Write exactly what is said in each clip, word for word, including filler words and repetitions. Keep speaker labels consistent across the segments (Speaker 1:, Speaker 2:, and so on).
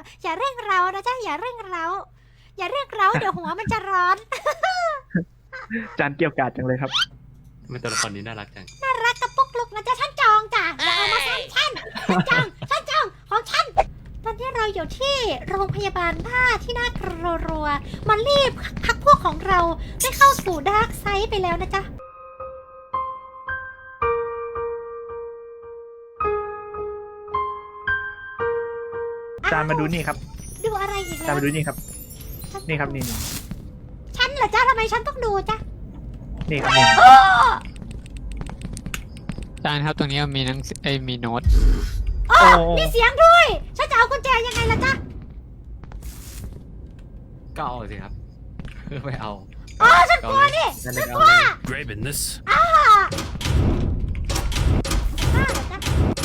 Speaker 1: อย่าเร่งเรานะจ๊ะอย่าเร่งเราอย่าเร่งเราเดี๋ยวหัวมันจะร้อน
Speaker 2: จานเกี่ยวกาดจังเลยครับ
Speaker 3: มันตัวละครนี้น่ารักจัง
Speaker 1: น่ารักกระปุกลุกนะจ๊ะฉันจองจ้ะอย่าเอามาซ้ำฉันฉันจองฉันจองของฉันตอนนี้เราอยู่ที่โรงพยาบาลบ้าที่น่ากลัวรัวๆมันรีบพักพวกของเราได้เข้าสู่ดาร์กไซด์ไปแล้วนะจ๊ะ
Speaker 2: จานมาดูนี่ครับ
Speaker 1: ดูอะไรอีก
Speaker 2: จา
Speaker 1: แล้
Speaker 2: น
Speaker 1: ว
Speaker 2: มาดูนี่ครับ นี่ครับนี่นี่
Speaker 1: ฉันเหรอจ๊ะทำไมฉันต้องดูจ๊ะ
Speaker 2: นี่ครับนี่
Speaker 1: โอ้
Speaker 4: อาจารย์ครับตรงนี้มีหนังสือเอ้ยมีโน้ต
Speaker 1: โอ้มีเสียงด้วยฉันจะเอากุญแจยังไงล่ะจ๊ะ
Speaker 3: ก็เอาสิครับไม่เอา
Speaker 1: อ๋อฉันกลัวนี่
Speaker 3: นั่น
Speaker 1: ฉั
Speaker 3: เอน ง
Speaker 1: กลัว
Speaker 5: Grabbing this.
Speaker 1: อ้าอ้าเหรอจ๊ะ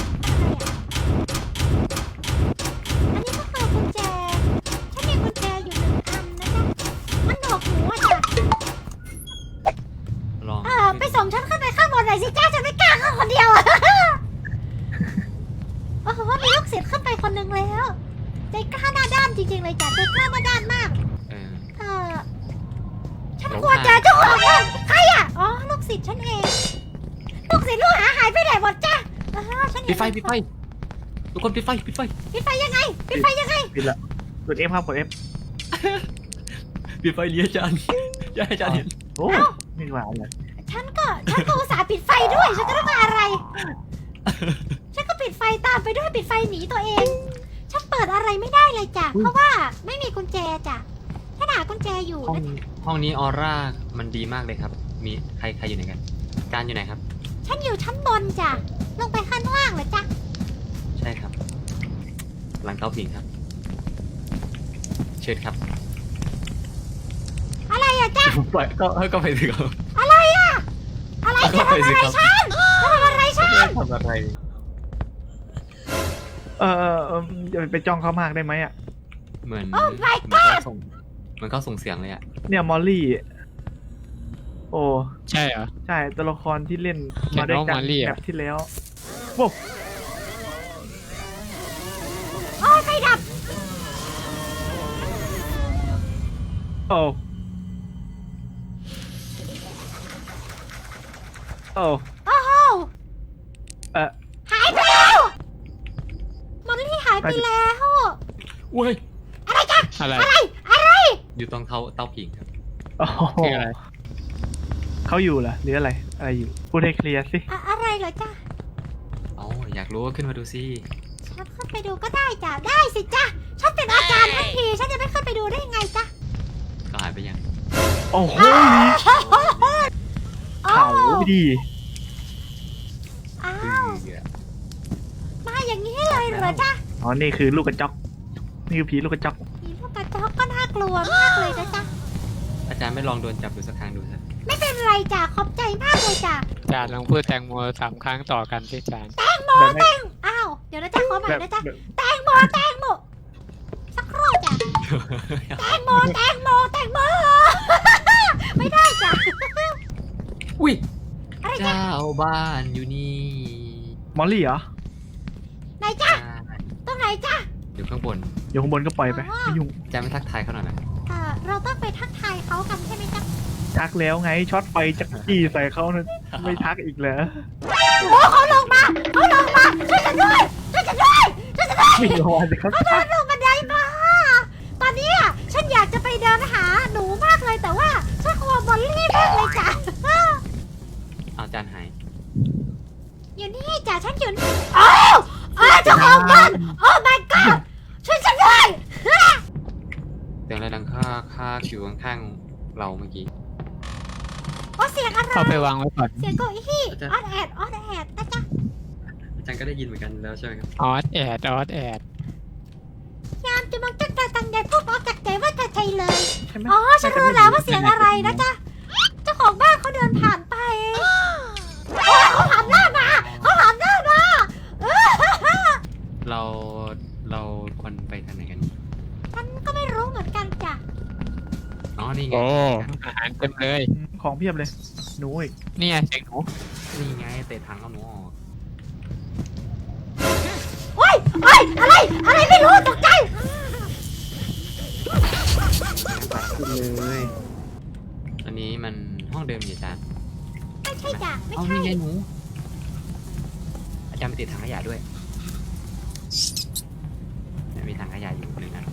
Speaker 1: อันนี้ก็คือกุญแจฉันมีกุญแจอยู่หนึ่งอันนะจ๊ะมันหนวกหูอ่ะจ้ะ
Speaker 3: ลอง
Speaker 1: เออไปส่งฉันขึ้นไปข้างบนหน่อยสิจ้าฉันไม่กล้าขึ้นคนเดียวอะ โอ้โหมีลูกศิษย์ขึ้นไปคนหนึ่งแล้วใจกล้าหน้าด้านจริงๆเลยจ้ะใจกล้าหน้าด้านมาก
Speaker 3: เออ
Speaker 1: เออฉันกลัวจ้ะเจ้าของบ้านใครอ่ะอ๋อลูกศิษย์ฉันเองลูกศิษย์ลูกหาหายไปไหนหมดจ้ะอ๋อฉันเห็
Speaker 3: ปิ
Speaker 1: น
Speaker 3: ดไฟปิดไฟทุกคนปิดไฟปิดไฟ
Speaker 1: ปิดไฟยังไงปิดไฟยังไง
Speaker 2: ปิดละกดเอฟครับกดเอฟ
Speaker 3: ปิดไฟเลี้ยจานอย่าให้จานเห็น
Speaker 2: โอ้ไม่หวานเลย
Speaker 1: ฉันก็ฉันก็อุตส่าห์ปิดไฟด้วยฉันก็ต้องมาอะไร ฉันก็ปิดไฟตามไปด้วยปิดไฟหนีตัวเอง ฉันเปิดอะไรไม่ได้เลยจ้ะเพราะว่าไม่มีกุญแจจ้ะฉันหากุญแจอยู่
Speaker 3: ห้อง
Speaker 1: นะ
Speaker 3: ห้องนี้ออร่ามันดีมากเลยครับ มีใครใครอยู่ไหนกัน จานอยู่ไหนครับ
Speaker 1: ฉันอยู่ชั้นบนจ้ะลงไปข้างล่างเหรอจ๊ะ
Speaker 3: ใช่ครับ หลังเตาผิงครับ เชิญครับ
Speaker 1: อะไรอะจ๊ะ
Speaker 3: ไปก็ก็ไปสิครับ
Speaker 1: อะไรอะอะไรจะทำอะไรฉันจะทำอะไรฉัน
Speaker 3: ทำอะไร
Speaker 2: เออเออเอออย่าไปจ้องเขามากได้ไหมอ่ะ
Speaker 3: เหมือน
Speaker 1: โอ้ my
Speaker 3: เหมือน
Speaker 1: god
Speaker 3: เขาส่งเหมือนเขาส่งเสียงเลยอะ
Speaker 2: เนี่ยมอลลี่ โอ้
Speaker 4: ใช่เหรอ
Speaker 2: ใช่ตัวละครที่เล่น
Speaker 4: เขีย
Speaker 2: มาน ด้วย
Speaker 4: ว่า
Speaker 2: กัน
Speaker 4: มอลลี่อะ
Speaker 2: แบบที่แล้วโว้
Speaker 1: โอ้ยไฟดับ
Speaker 2: โอ้โอ้
Speaker 1: โอ้โห
Speaker 2: เออ
Speaker 1: หายไปแล้วมอลลี่หายไปแล้ว
Speaker 3: อุ้ย
Speaker 1: อะไรจ๊ะ
Speaker 4: อะไร
Speaker 1: อะไรอะไร
Speaker 3: อยู่ตรงเตาเตาผิงครับ
Speaker 2: โอ้โห
Speaker 4: คืออะไร
Speaker 2: เขาอยู่เหรอหรืออะไรอะไรอยู่พูดให้เคลียร์สิ
Speaker 1: อะอะไรเหรอจ๊ะ
Speaker 3: อ๋ออยากรู้ก็ขึ้นมาดูสิ
Speaker 1: ฉันขึ้นไปดูก็ได้จ้ะได้สิจ๊ะฉันเป็นอาจารย์ทั้งทีฉันจะไม่ขึ้นไปดูได้ยังไงจ๊ะ
Speaker 3: ก็หายไปยัง
Speaker 2: โอ้โห
Speaker 1: โอ้
Speaker 2: เขาดี
Speaker 1: อ้า
Speaker 3: คือ
Speaker 1: วมาอย่างนี้เลยเหรอจ๊ะ
Speaker 2: อ๋อนี่คือลูกกระจอกนี่คือผีลูกกระจอก
Speaker 1: มีลูกกระจอกก็น่ากลัวมากเลยนะจ๊ะ
Speaker 3: อาจารย์ไม่ลองโดนจับดูสักครั้งดูสิ
Speaker 1: ไม่เป็นไรจ้ะขอบใจมากเลยจ้ะ
Speaker 4: อาจารย์ลองพูดแตงโมสามครั้งต่อกันสิอาจารย์
Speaker 1: แตงโม
Speaker 2: แบบ
Speaker 1: แต
Speaker 2: ไม่
Speaker 1: งอ้าวเดี๋ยวนะจ๊ะขอใหม่
Speaker 2: แบบ
Speaker 1: นะจ๊ะ
Speaker 2: แบบ
Speaker 1: แตงโมแตงโมสักครู่จ้ะแตงโมแตงโมแตงโม ไม่ได้จ้ะ
Speaker 3: อุ้ย
Speaker 1: อะไรจ๊ะ
Speaker 3: เจ้าบ้านอยู่นี่
Speaker 2: มอลลี่เหรอ
Speaker 1: ไหนจ๊ะ
Speaker 3: อ่า
Speaker 1: ตรงไหนจ๊ะ
Speaker 3: อยู่ข้างบน
Speaker 2: อยู่ข้างบนก็ปล่อยไปไม่ยุ่ง
Speaker 3: อาจารย์ไม่ทักทายเขาหน่อยนะ
Speaker 1: เอ่อเราต้องไปทักทายเขากันใช่ไหมจ๊ะ
Speaker 2: ทักแล้วไงช็อตไฟจักจี้ใส่เขานะไม่ทักอีกเหรอ
Speaker 1: โอ้เขาลงมาเขาลงมาช่วยฉันด้วยช่วยฉันด้วยช่วยฉันด้วย
Speaker 2: ไม่รอสิครับ
Speaker 1: เขาเดินลงบันไดมา ตอนนี้อ่ะฉันอยากจะไปเดินหาหนูมากเลยแต่ว่าฉันกลัวบอลลี่มากเลยจ้ะ
Speaker 3: เอาอาจารย์หาย
Speaker 1: อยู่นี่จ้ะฉันอยู่นี่โอ้าวอ้าวเจ้าของบ้านโอ้ my god ช่วยฉันด้วย
Speaker 3: เสียงอะไรดังค่าค่าอยู่ข้างๆเราเมื่อกี้
Speaker 1: โอ้เสียงอะไร
Speaker 4: เข้าไปวางไว้ก่อน
Speaker 1: เสียงเก้าอี้
Speaker 3: อาจารย์
Speaker 1: ออดแอดออดแอดนะจ๊ะ
Speaker 3: อาจารย์ก็ได้ยินเหมือนกันแล้วใช่ไหมครับ
Speaker 4: ออสแอดออสแอด
Speaker 1: ยามจะมองจักรตังใหญ่พูดออกจากใจว่าจะใจเลย
Speaker 2: ใช่ไหม
Speaker 1: อ๋อฉันรู้แล้วว่าเสียงอะไรนะจ๊ะเจ้าของบ้านเขาเดินผ่านไปโอ้ยเขาหันหน้ามาเขาหันหน้ามาเออ
Speaker 3: เราเราควรไปทางไหนกัน
Speaker 1: ฉันก็ไม่รู้เหมือนกันจ้ะ
Speaker 3: อ๋อนี่ไง
Speaker 4: โอ้อาหารเต็มเลย
Speaker 2: ของเพียบเลยหนูอีก
Speaker 4: นี่ไงเสียงหนู
Speaker 3: นี่ไงเตะถังเอาหนูออก
Speaker 1: โอ้ยโอ้ยอะไร อะไรไม่รู้ตกใจ
Speaker 2: ขึ้นเลย
Speaker 3: อันนี้มันห้องเดิมอยู่อาจารย์
Speaker 1: ไม่ใช่จ้ะไม่
Speaker 3: เอา
Speaker 1: ใช่
Speaker 3: นี่ไงหนูอาจารย์ไปติดถังขยะด้วยมีถังขยะอยู่หนึ่งอัน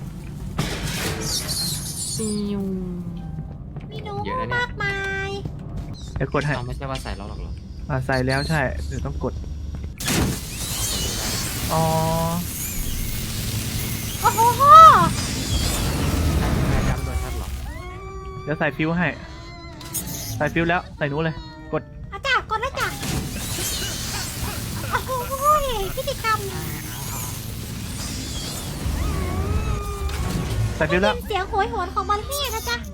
Speaker 3: ซิว
Speaker 1: มีหนู
Speaker 3: เยอะนะเนี่ย
Speaker 1: มากมาย
Speaker 2: เดี๋ยวกดให้
Speaker 3: เอาไม่ใช่ว่าใส่แล้วหรอกเหรอ
Speaker 2: อ่าใส่แล้วใช่เดี๋ยวต้องกดอ๋อ
Speaker 1: โอ้โห
Speaker 3: ไม่จำโดยชัดหรอ
Speaker 2: เดี๋ยวใส่ฟิวให้ใส่ฟิวแล้วใส่หนูเลยกด
Speaker 1: อาจารย์กดแล้วจ้ะโอ้โหพิธีกรรม
Speaker 2: ใส่ฟิวแล้ว
Speaker 1: เสียงโหยหวนของมอลลี่นะจ๊ะ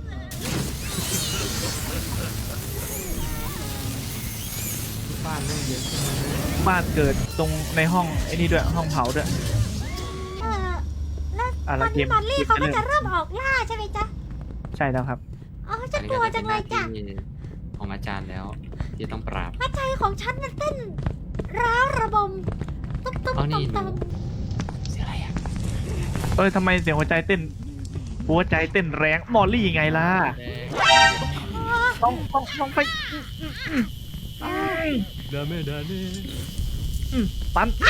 Speaker 3: บ้านเรื่องเยอะ
Speaker 2: บ้านเกิดตรงในห้องไอ้นี่ด้วยห้องเผาด้วย
Speaker 1: เออแล้ว
Speaker 2: อ่ะ
Speaker 1: ต
Speaker 2: แล้
Speaker 1: อ
Speaker 2: วน เก
Speaker 1: นี้
Speaker 2: ม
Speaker 1: มอลลี่
Speaker 2: เกม
Speaker 1: เขาก็
Speaker 2: จะเริ่ม
Speaker 1: จะเริ่มออกล่าใช่ไหมจ๊ะ
Speaker 2: ใช่แล้วครับ
Speaker 1: อ๋อฉันกลัวจังเลยจ้ะ
Speaker 3: ของอาจารย์แล้ว ที่ต้องปราบ
Speaker 1: หัวใจของฉันมันเต้นร้าวระบมตุ้มตุ้ม
Speaker 3: เอานี่
Speaker 1: ตุ้ม
Speaker 3: หนู
Speaker 1: ตุ้ม
Speaker 3: เสียอะไรอ่ะ
Speaker 2: เอ้ยทำไมเสียงหัวใจเต้น หัวใจเต้นแรงมอลลี่ไงล่ะต้องต้องต้องไป
Speaker 3: ดาเมดาเน่
Speaker 2: อืมปัน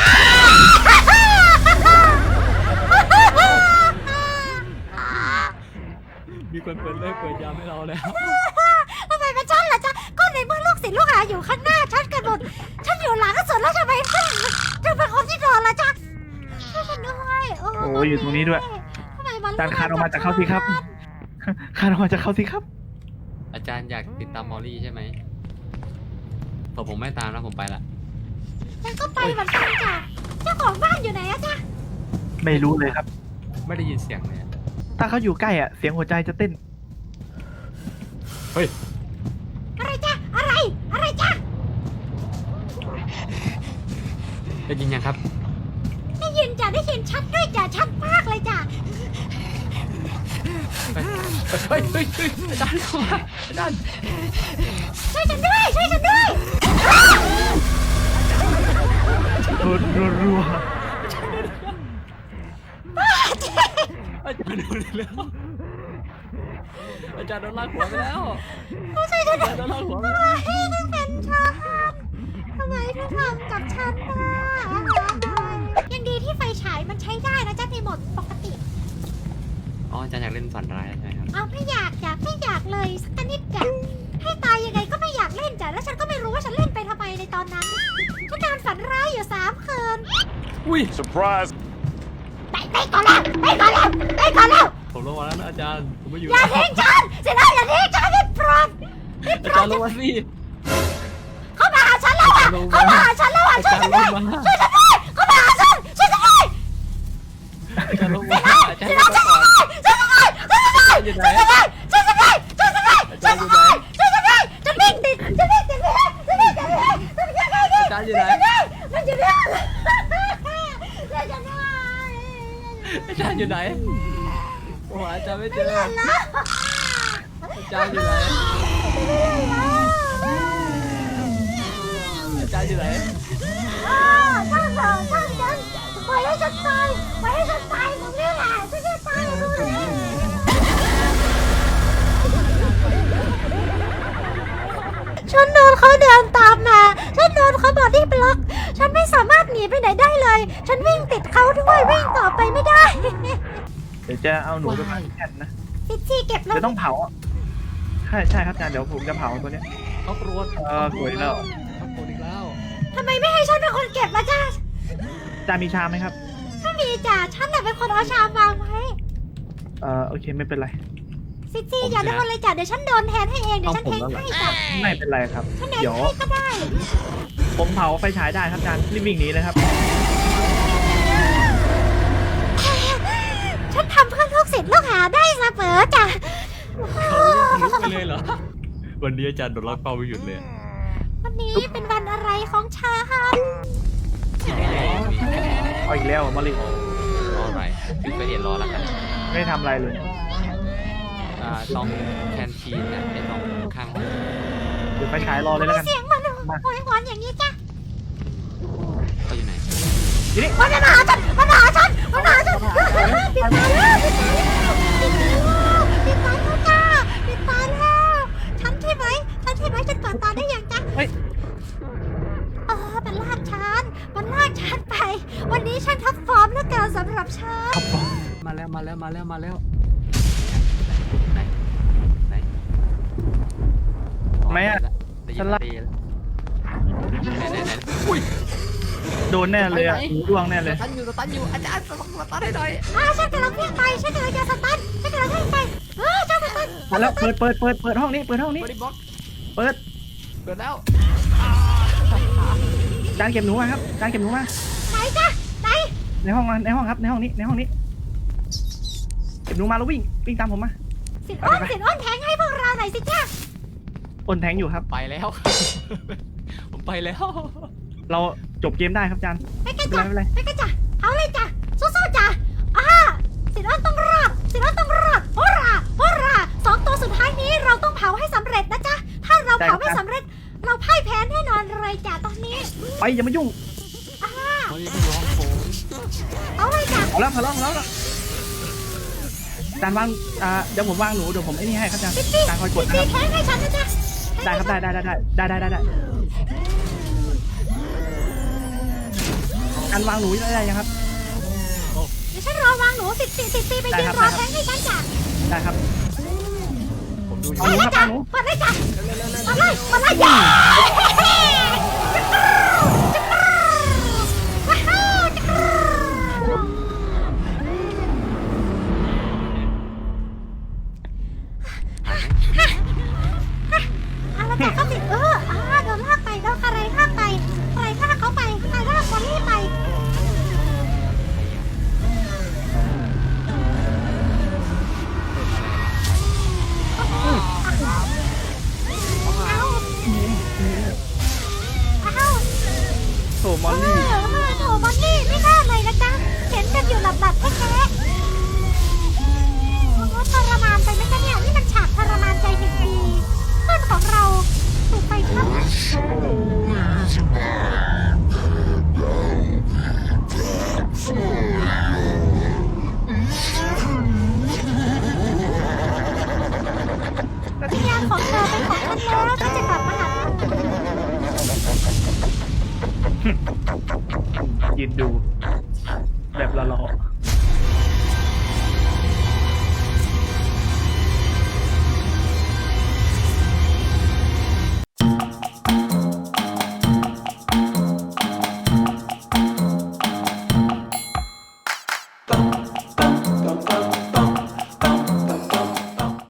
Speaker 3: มีคนเปิดเลิกเปิดยามให้เราแล้ว
Speaker 1: ทำไมเป็นฉันล่ะจ๊ะก็ในเมื่อลูกศิษย์ลูกหาอยู่ข้างหน้าฉันกันหมดฉันอยู่หลังก็สุดแล้วทำไมฉันจะเป็นคนที่โดนล่ะจ๊ะช่วยฉันด้วยโอ้
Speaker 2: โอ้ยอยู่ตรงนี้ด้วย
Speaker 1: ทำไมมัน
Speaker 2: จานคานออกมาจากเขาสิครับคานออกมาจากเขาสิครับ
Speaker 3: อาจารย์อยากติดตามมอลลี่ใช่ไหมพอผมไม่ตามแล้วผมไปละ
Speaker 1: ฉันก็ไปเหมือนกันจ้ะเจ้าของบ้านอยู่ไหนอะจ๊ะ
Speaker 2: ไม่รู้เลยครับ
Speaker 3: ไม่ได้ยินเสียงเลย
Speaker 2: ถ้าเขาอยู่ใกล้อ่ะเสียงหัวใจจะเต้น
Speaker 3: เฮ้ย
Speaker 1: อะไรจ๊ะอะไรอะไรจ๊ะ
Speaker 3: ได้ยินยังครับ
Speaker 1: ได้ยินจ้ะได้ยินชัดด้วยจ้ะชัดมากเลยจ้ะ
Speaker 3: เฮ้ย เฮ้ย เฮ้ยเฮ้ยอาจารย์เข้ามาอาจารย์
Speaker 1: ช่วยฉันด้วยช่วยฉันด้วย
Speaker 2: รัวรัวรัว
Speaker 3: อาจารย์โดนแล้ว อาจารย์โดนลากหัวไปแล้ว
Speaker 1: ช่วยฉันด้วย
Speaker 3: อาจารย์โดนลากหัวไป
Speaker 1: ทำ
Speaker 3: แล้ว
Speaker 1: ไมถึงเป็นฉันทำไมถึงทำกับฉันนะยังดีที่ไฟฉายมันใช้ได้นะจ๊ะในโหมดปกติ
Speaker 3: อ๋ออาจารย์อยากเล่นฝันร้ายใช่ไหมครับ
Speaker 1: เอาไม่อยากจ้ะไม่อยากเลยสักนิดจ้ะให้ตายยังไงก็ไม่อยากเล่นจ้ะแล้วฉันก็ไม่รู้ว่าฉันเล่นไปทำไมในตอนนั้นฉันนอนฝันร้ายอยู่สามคืน
Speaker 3: อุ้ย
Speaker 5: Surprise!
Speaker 1: ไปไปก่อนแล้วไปก่อนแล้วไปก่อนแล้ว
Speaker 3: ผมลงมาแล้วนะอาจารย์ ผมไม่อยู่
Speaker 1: อย่าทิ้งฉันเสร็จแล้วอย่าทิ้งฉันได้โปรดได้โป
Speaker 3: อาร จาร
Speaker 1: ด
Speaker 3: ย์ลงมาสิ
Speaker 1: เขามาหาฉันแล้วอ่ะเขามาหาฉันแล้วอ่ะ
Speaker 3: อา
Speaker 1: ช่วย
Speaker 3: จาร
Speaker 1: ฉัน
Speaker 3: ย์ล
Speaker 1: ด้ว
Speaker 3: ง
Speaker 1: ย
Speaker 3: มา
Speaker 1: ช่วยฉันด้วยเขามาหาฉันช่วยฉันด้วย
Speaker 3: อาจารย์ลงมาอาจาร
Speaker 1: ช่วย
Speaker 3: ย์ล
Speaker 1: ฉั
Speaker 3: ง
Speaker 1: น
Speaker 3: มา
Speaker 1: ด้วย
Speaker 3: ก่อน
Speaker 1: ช่วยฉันด้วยช่วยฉันด้วยช่วยฉันด้วยช่วยฉันด้วยช่วยฉันด้วยช่วยฉันด้วยช่วยฉันด้วยช่วยฉันด้วยฉันวิ่งติดฉันวิ่งติดเลยฉันวิ่งติดเลยฉันวิ่งติดเลย
Speaker 3: อาจารย์อยู่ไหน
Speaker 1: มันอยู่เนี่ยช่วยฉันด้วย
Speaker 3: อาจารย์อยู่ไหนโอ้โหอาจารย์ไม่เจ
Speaker 1: ไม่
Speaker 3: อ
Speaker 1: เห็นแล้ว
Speaker 3: อาจารย์อยู่ไหน อาจารย์อยู่ไหน
Speaker 1: ช่างเถอะช่างฉันปล่อยให้ฉันตายปล่อยให้ฉันตายตรงนี้แหละฉันจะตายตรงนี้ฉันโดนเขาเดินตามมาฉันโดนเขาบอดี้บล็อกฉันไม่สามารถหนีไปไหนได้เลย ฉันวิ่งติดเขาด้วยวิ่งต่อไปไม่ได้
Speaker 2: เดี๋ยวจะเอาหนูไปเผาแค่นนะ
Speaker 1: พิชชี่เก็บแล้ว
Speaker 2: จะต้องเผาอ่ะใช่ใช่ครับอาจารย์เดี๋ยวผมจะเผาตัวเนี้ย
Speaker 3: เขาโกรธ
Speaker 2: เออสวยแล้ว
Speaker 3: เขาโกรธอีกแล้ว
Speaker 1: ทำไมไม่ให้ฉันเป็นคนเก็บล่ะจ้า
Speaker 2: อาจารย์มีชามไหมครับ
Speaker 1: ไม่มีจ้ะฉันน่ะเป็นคนเอาชามวางไว้
Speaker 2: เออโอเคไม่เป็นไร
Speaker 1: ซิจี้อย่าโดนเลยจ้ะเดี๋ยวฉันโดนแทนให้เองเดี๋ยวฉันเทงให้จ้ะ
Speaker 2: ไม่เป็นไรครับ
Speaker 1: ฉันเทง
Speaker 2: เดี๋ยว
Speaker 1: ให้ก็ได้
Speaker 2: ผมเผาไฟฉายได้ครับอาจารย์รีบวิ่งหนีเลยครับ
Speaker 1: ฉันทำเพื่อลูกศิษย์ลูกหาได้เสมอจ้ะ
Speaker 3: เขาไม่รู้ไปเลยเหรอ วันนี้อาจารย์โดนลากเป้าไม่หยุดเลย
Speaker 1: วันนี้เป็นวันอะไรของฉัน
Speaker 2: เอาอีกแล้วมาลิ
Speaker 3: รออะไรถึงไปเห็นรอแล้วกัน
Speaker 2: ไม่ได้ทำอะไรเลย
Speaker 3: อ่าตรงแคนทีนเนี่ยไอ้ตรงข้างห้อง
Speaker 2: เดี๋ยวไฟฉายรอเลยแล้วกัน
Speaker 1: เสียงมันโวยหวนอย่างนี้จ้ะ
Speaker 3: เขาอยู่ไหน
Speaker 2: ทีนี้
Speaker 1: มันมาหาฉันมันมาหาฉันมันมาหาฉันปิดตาแล้วปิดตาแล้วปิดตาแล้วปิดตาแล้วปิดก่อนตอนได้ยังจ๊ะ
Speaker 2: เฮ้ย
Speaker 1: เออมันลากฉันมันลากฉันไป วันนี้ฉันทับฟอร์มเหลือเกินสำหรับฉัน
Speaker 3: มาแล้วมาแล้วมาแล้วมาแล้วไหนไหน
Speaker 2: ทำไมอะ
Speaker 3: ได้
Speaker 2: ฉั
Speaker 3: ยิ
Speaker 2: น
Speaker 3: น
Speaker 2: ละ
Speaker 3: ดีแล้วไหนไหนไหนอุ้ย
Speaker 2: โดนแน่เลยอ่ะหูดวงแน่เลย
Speaker 3: สตันอยู่สตันอยู่อาจารย์สตันให้หน่อย
Speaker 1: อ่าฉันกำลังวิ่งไปฉันกำลังจะสตันฉันกำลังวิ่งไปเออเจ้าสตัน
Speaker 2: มาแล้วเปิดเปิดเปิดเปิดห้องนี้เปิดห้องนี้
Speaker 3: บริบล็อก
Speaker 2: เปิด
Speaker 3: เปิดแล้ว
Speaker 2: จานเก็บหนูมาครับจานเก็บหนูมา
Speaker 1: ไหนจ๊ะไหน
Speaker 2: ในห้องมาในห้องครับในห้องนี้ในห้องนี้เก็บหนูมาแล้ววิ่งวิ่งตามผมมา
Speaker 1: สินอ้นสินอ้นแทงให้พวกเราหน่อยสิจ้า
Speaker 2: อ้นแทงอยู่ครับ
Speaker 3: ไปแล้ว ผมไปแล้ว
Speaker 2: เราจบเกมได้ครับจาน
Speaker 1: ไปกัน
Speaker 2: ไม่
Speaker 1: จ้ะ
Speaker 2: เป็นไรไม่เป็นไร
Speaker 1: ไปกันจ้ะเอาเลยจ้ะสู้ๆจ้ะอ่าสินอ้นต้องรอดสินอ้นต้องรอดโฮราโฮราสองตัวสุดท้ายนี้เราต้องเผาให้สำเร็จนะจ๊ะถ้าเราเผาไม่สำเร็จ เราพ่ายแพ้แน่นอนเลยจ้ะตอนนี้
Speaker 2: ไปอย่ามายุ่ง
Speaker 1: อ่า
Speaker 3: เฮ้ยไม่ร้องโผล่
Speaker 1: เอาเลยจ้ะ
Speaker 2: เอาแล้วพอแล้วพอแล้วจานวางอ่าเดี๋ยวผมวางหนูเดี๋ยวผมไอ้นี่ให้ครับจาน
Speaker 1: ปิ๊ดปิ๊ด
Speaker 2: จานคอยกดนะ
Speaker 1: ปิ๊
Speaker 2: ค
Speaker 1: ด
Speaker 2: รับ
Speaker 1: แทงให้ฉันนะจ๊ะ
Speaker 2: ได้ครับได้ได้ได้ได้ได้ได้ได้จานวางหนูได้ยังครับ
Speaker 1: เดี๋ยวฉันรอวางหนูสิบสี่สิบสี่ไปยืนรอแทงให้ฉันจ้ะ
Speaker 2: ได้ครับ
Speaker 3: ผมดู
Speaker 1: เปิดเลยจ้ะเปิดเลยจ้ะเปิดเลยเปิดเลยจ้ะว้าวจักรเอาละจ้ะเขาสิเอออ่าโดนลากไปโดนอะไรลากไปใครลากเขาไปใครลากบอลลี่ไปเอาเอา
Speaker 2: โถมอล
Speaker 1: เอ
Speaker 2: ลี่
Speaker 1: อเออโถบอลลี่ไม่น่าเลยนะจ๊ะเห็นกันอยู่หลับๆแท้ๆโอ้โหทรมานไปไหมจ๊ะเนี่ยนี่มันฉากทรมานใจจริงๆเพื่อนของเราถูกไฟคลอก วิญญาณของเธอเป็นของฉันแล้วฉันจะกลับมาหาเธอ
Speaker 2: ยืนดู แบบละล้อ